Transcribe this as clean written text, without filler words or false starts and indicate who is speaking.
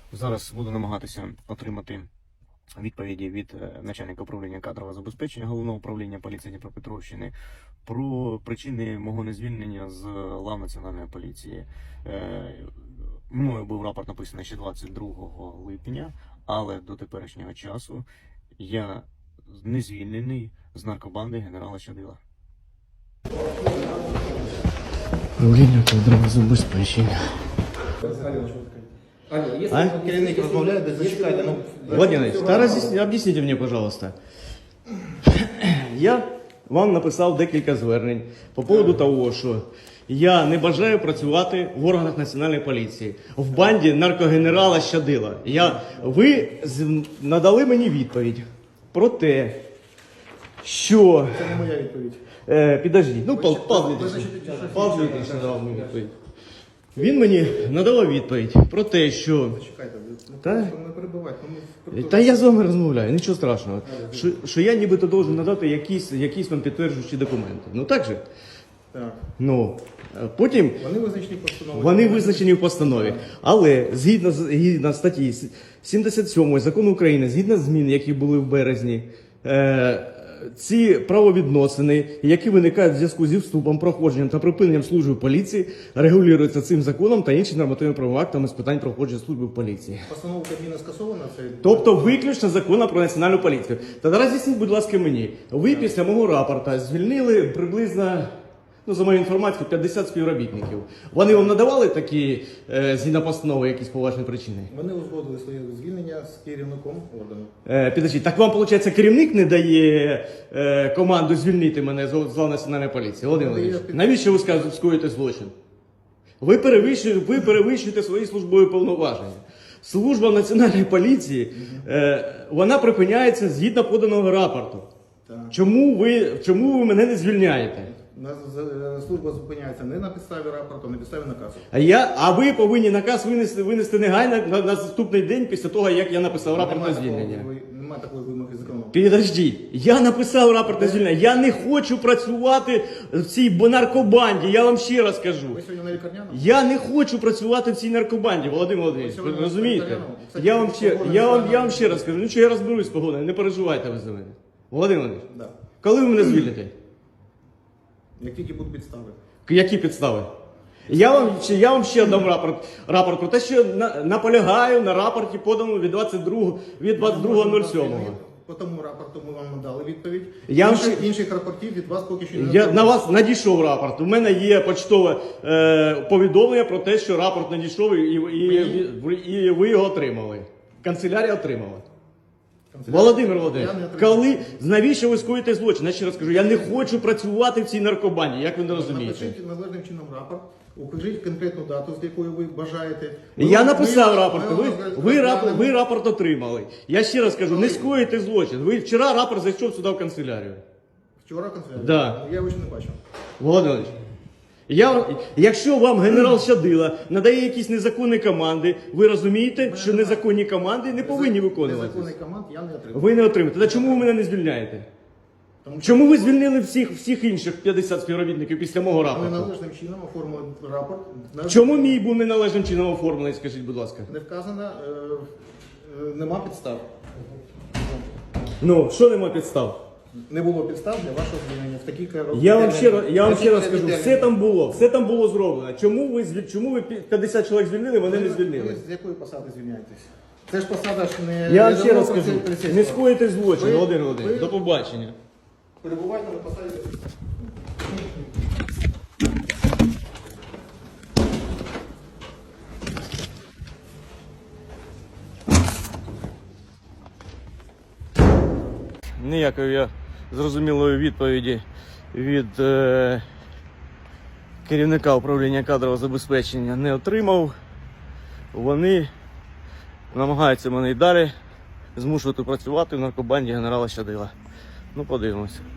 Speaker 1: Зараз буду намагатися отримати відповіді від начальника управління кадрового забезпечення Головного управління поліції Дніпропетровщини про причини мого незвільнення з лав Національної поліції. Мною був рапорт написаний ще 22 липня, але до теперішнього часу я не звільнений з наркобанди генерала Щадила.
Speaker 2: Управління кадрового забезпечення.
Speaker 3: Если керівник розмовляє, то зачекайте.
Speaker 2: Владимир Ильич, объясните мне, пожалуйста. Я вам написав декілька звернень по поводу того, що я не бажаю працювати в органах Національної поліції, в банді наркогенерала Щадила. Ви надали мені відповідь про те, що...
Speaker 3: Це не моя відповідь.
Speaker 2: Підождіть, Павло Дмитрович надав мені відповідь. Він мені надав відповідь про те, що...
Speaker 3: Зачекайте,
Speaker 2: не
Speaker 3: перебивайте.
Speaker 2: Та я з вами розмовляю, нічого страшного. Що я нібито должен надати якісь вам підтверджуючі документи. Ну так же?
Speaker 3: Так.
Speaker 2: Ну, потім...
Speaker 3: Вони визначені в постанові.
Speaker 2: Вони визначені в постанові. Але згідно статті 77 Закону України, згідно змін, які були в березні, ці правовідносини, які виникають в зв'язку зі вступом, проходженням та припиненням служби в поліції, регулюються цим законом та іншими нормативно-правовими актами з питань проходження служби в поліції.
Speaker 3: Постанова Кабміна скасована?
Speaker 2: Тобто виключно закону про національну поліцію. Та роз'ясніть, будь ласка, мені. Ви після мого рапорта звільнили приблизно, за мою інформацію, 50 співробітників. Вони вам надавали такі, згідно постанови, якісь поважні причини?
Speaker 3: Вони узгодили своє звільнення з керівником органу.
Speaker 2: Підождіть, так вам, виходить, керівник не дає команду звільнити мене з лав Національної поліції? Володимир Володимирович, навіщо ви скоїте злочин? Ви перевищуєте свої службові повноваження. Служба Національної поліції, вона припиняється згідно поданого рапорту.
Speaker 3: Так.
Speaker 2: Чому ви мене не звільняєте?
Speaker 3: Служба зупиняється не на підставі рапорту, а на підставі наказу.
Speaker 2: А ви повинні наказ винести негайно на наступний день після того, як я написав рапорт на звільнення.
Speaker 3: Немає такої вимоги закону.
Speaker 2: Підождіть, я написав рапорт на звільнення. Я не хочу працювати в цій наркобанді, я вам ще раз кажу.
Speaker 3: Ви сьогодні на лікарняному?
Speaker 2: Я не хочу працювати в цій наркобанді, Володимир Володимирович, ви розумієте? Я вам ще раз кажу, я розберусь з погодою, не переживайте ви за мене. Володимир Володимирович,
Speaker 3: Да.
Speaker 2: коли ви мене звільните?
Speaker 3: Як тільки будуть підстави.
Speaker 2: Які підстави? Я вам ще дам рапорт про те, що наполягаю на рапорті, поданому від 22.07.
Speaker 3: По тому рапорту ми вам надали відповідь. Інших рапортів від вас поки що не
Speaker 2: Я на вас надійшов рапорт. У мене є почтове повідомлення про те, що рапорт надійшов і ви його отримали. Канцелярія отримала. Володимир Володимирович, навіщо ви скоїте злочин? Я ще раз кажу, я не хочу працювати в цій наркобанді, як ви не розумієте?
Speaker 3: Напишіть належним чином рапорт, укажіть конкретну дату, з якою ви бажаєте.
Speaker 2: Я написав рапорт, ви рапорт отримали. Я ще раз кажу, не скоїте злочин. Вчора рапорт зайшов сюди в канцелярію.
Speaker 3: Вчора канцелярія?
Speaker 2: Да.
Speaker 3: Я його ще не бачив.
Speaker 2: Володимир Володимирович, якщо вам генерал Щадила надає якісь незаконні команди, ви розумієте, що незаконні команди не повинні виконуватися?
Speaker 3: Незаконний команд я не отримав.
Speaker 2: Ви не отримаєте. Та чому ви мене не звільняєте? Чому ви звільнили всіх інших 50 співробітників після мого
Speaker 3: Ми
Speaker 2: рапорту?
Speaker 3: належним чином оформили рапорт.
Speaker 2: Чому мій був неналежним чином оформлений, скажіть, будь ласка?
Speaker 3: Не вказано, нема підстав.
Speaker 2: Ну, що нема підстав?
Speaker 3: Не було підстав для вашого звільнення в такий короткий
Speaker 2: Я вам ще раз скажу, все там було зроблено. Чому ви 50 чоловік звільнили, мене не звільнили?
Speaker 3: Ви з якої посади звільняєтесь? Це ж посада ж не...
Speaker 2: Я вам ще раз
Speaker 3: скажу,
Speaker 2: скажу, не скоїте злочин, Володимир Володимирович, до побачення.
Speaker 3: Перебувайте на посаді.
Speaker 2: Ніякої я зрозумілої відповіді від керівника управління кадрового забезпечення не отримав. Вони намагаються мене і далі змушувати працювати в наркобанді генерала Щадила. Ну, подивимося.